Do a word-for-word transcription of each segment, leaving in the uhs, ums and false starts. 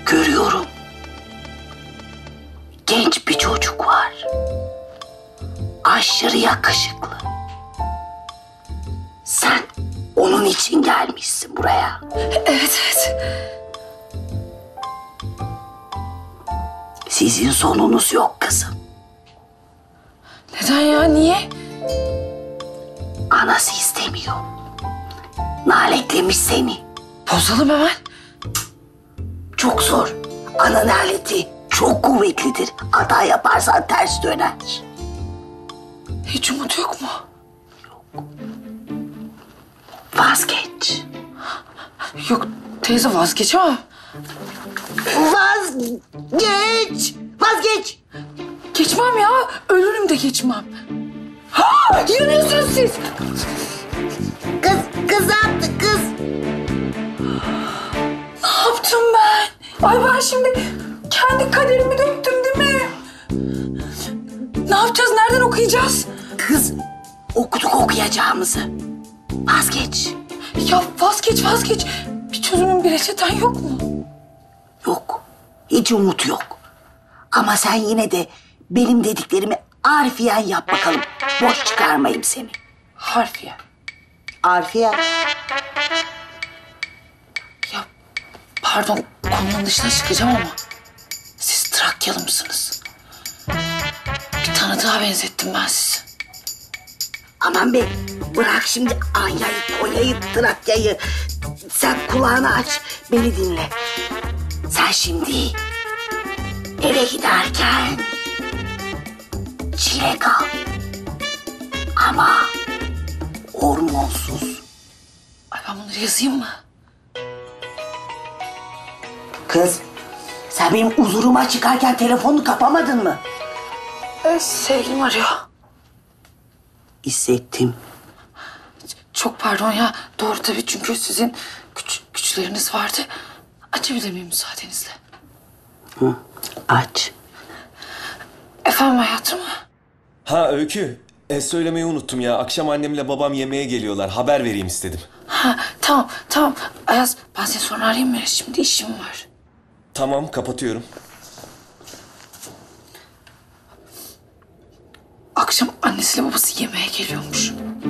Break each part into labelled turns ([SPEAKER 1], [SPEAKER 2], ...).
[SPEAKER 1] Görüyorum. Genç bir çocuk var. Aşırı yakışıklı. Sen onun için gelmişsin buraya.
[SPEAKER 2] Evet, evet.
[SPEAKER 1] Sizin sonunuz yok kızım.
[SPEAKER 2] Neden ya, niye?
[SPEAKER 1] Anası istemiyor. Naletlemiş seni.
[SPEAKER 2] Bozalım hemen.
[SPEAKER 1] Çok zor. Ana naleti çok kuvvetlidir. Hata yaparsan ters döner.
[SPEAKER 2] Hiç umut yok mu?
[SPEAKER 1] Vazgeç.
[SPEAKER 2] Yok teyze, vazgeçemem.
[SPEAKER 1] Vazgeç. Vazgeç.
[SPEAKER 2] Geçmem ya. Ölürüm de geçmem. Ha! Yanıyorsunuz siz.
[SPEAKER 1] Kız, kız ne yaptı kız?
[SPEAKER 2] Ne yaptım ben? Ay ben şimdi kendi kaderimi döktüm değil mi? Ne yapacağız? Nereden okuyacağız?
[SPEAKER 1] Kız, okuduk okuyacağımızı. Vazgeç.
[SPEAKER 2] Ya vazgeç vazgeç. Bir çözümün, bir reçeten yok mu?
[SPEAKER 1] Yok. Hiç umut yok. Ama sen yine de benim dediklerimi harfiyen yap bakalım. Boş çıkarmayayım seni.
[SPEAKER 2] Harfiye.
[SPEAKER 1] Harfiyen.
[SPEAKER 2] Ya pardon, konunun dışına çıkacağım ama siz Trakyalı mısınız? Bir tanıdığa benzettim ben sizi.
[SPEAKER 1] Aman be, bırak şimdi Anya'yı, Konya'yı, Trakya'yı. Sen kulağını aç, beni dinle. Sen şimdi eve giderken çilek al. Ama hormonsuz.
[SPEAKER 2] Ay ben bunları yazayım mı?
[SPEAKER 1] Kız, sen benim huzuruma çıkarken telefonunu kapamadın mı?
[SPEAKER 2] Ee, sevgilim arıyor.
[SPEAKER 1] Hissettim.
[SPEAKER 2] Çok pardon ya. Doğru tabii, çünkü sizin güç, güçleriniz vardı. Açabilir miyim müsaadenizle?
[SPEAKER 1] Hı, aç.
[SPEAKER 2] Efendim hayatım?
[SPEAKER 3] Ha Öykü, e, söylemeyi unuttum ya. Akşam annemle babam yemeğe geliyorlar. Haber vereyim istedim.
[SPEAKER 2] Ha tamam tamam. Ayaz, ben seni sonra arayayım mı? Şimdi işim var.
[SPEAKER 3] Tamam, kapatıyorum.
[SPEAKER 2] Akşam annesiyle babası yemeğe geliyormuş.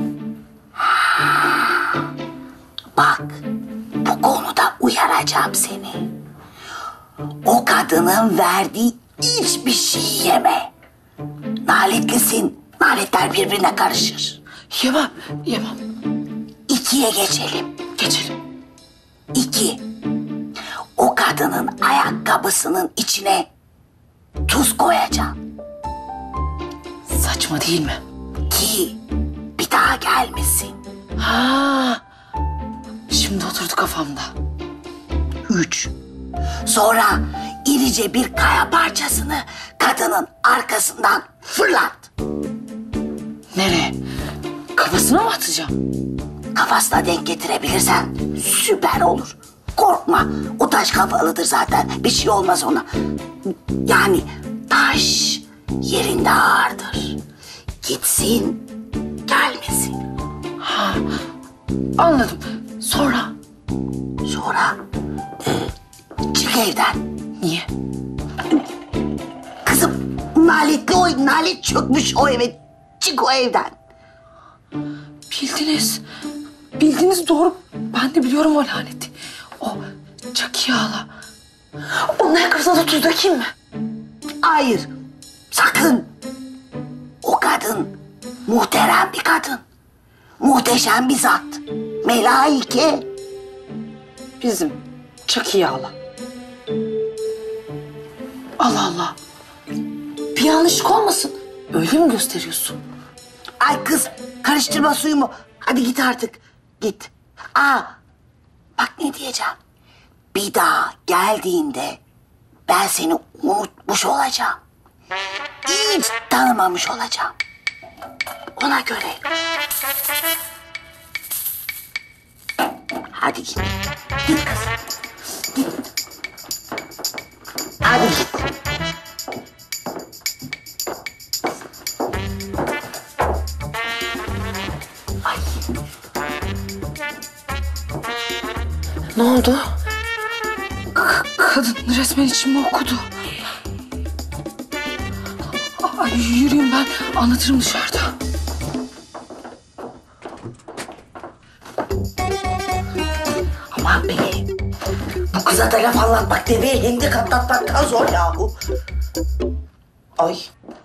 [SPEAKER 1] Bak, bu konuda uyaracağım seni. O kadının verdiği hiçbir şey yeme. Naletlisin. Naletler birbirine karışır.
[SPEAKER 2] Yemem, yemem.
[SPEAKER 1] İkiye geçelim.
[SPEAKER 2] Geçelim.
[SPEAKER 1] İki. O kadının ayakkabısının içine tuz koyacaksın.
[SPEAKER 2] Saçma değil mi?
[SPEAKER 1] Ki bir daha gelmesin.
[SPEAKER 2] Ha, şimdi oturdu kafamda.
[SPEAKER 1] Üç. Sonra irice bir kaya parçasını kadının arkasından fırlat.
[SPEAKER 2] Nereye? Kafasına mı atacağım?
[SPEAKER 1] Kafasına denk getirebilirsen süper olur. Korkma, o taş kafalıdır zaten. Bir şey olmaz ona. Yani taş yerinde ağırdır. Gitsin, gelmesin.
[SPEAKER 2] Ha, anladım. Sonra?
[SPEAKER 1] Sonra e, çık evden.
[SPEAKER 2] Niye?
[SPEAKER 1] Kızım, naletli o, nalet çökmüş o eve. Çık o evden.
[SPEAKER 2] Bildiniz. Bildiniz, doğru. Ben de biliyorum o laneti. O Çakiye hala. Onun ayakkabısına da tuz dökeyim mi?
[SPEAKER 1] Hayır, sakın. O kadın muhterem bir kadın. Muhteşem bir zat. Melaike.
[SPEAKER 2] Bizim Çakiye hala. Allah Allah. Bir yanlışlık olmasın. Öyle mi gösteriyorsun?
[SPEAKER 1] Ay kız, karıştırma suyumu. Hadi git artık. Git. Aa, bak ne diyeceğim. Bir daha geldiğinde ben seni unutmuş olacağım. Hiç tanımamış olacağım. Ona göre. Hadi git. Git kız. Git. Hadi git. Ay.
[SPEAKER 2] Ne oldu?
[SPEAKER 1] K-
[SPEAKER 2] Kadın resmen içimi okudu. Ay, yürüyün ben anlatırım dışarıda.
[SPEAKER 1] Aman be. Bu kıza da laf anlatmak deveye hendek atlatmaktan zor yahu. Ay.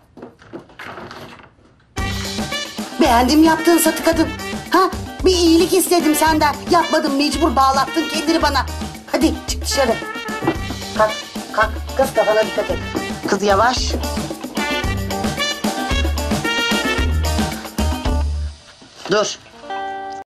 [SPEAKER 1] Beğendim yaptığın satı kadın. Ha? Bir iyilik istedim senden. Yapmadım, mecbur bağlattın kendini bana. Hadi çık dışarı. Kalk, kalk. Kız kafana dikkat et. Kız yavaş. Dur.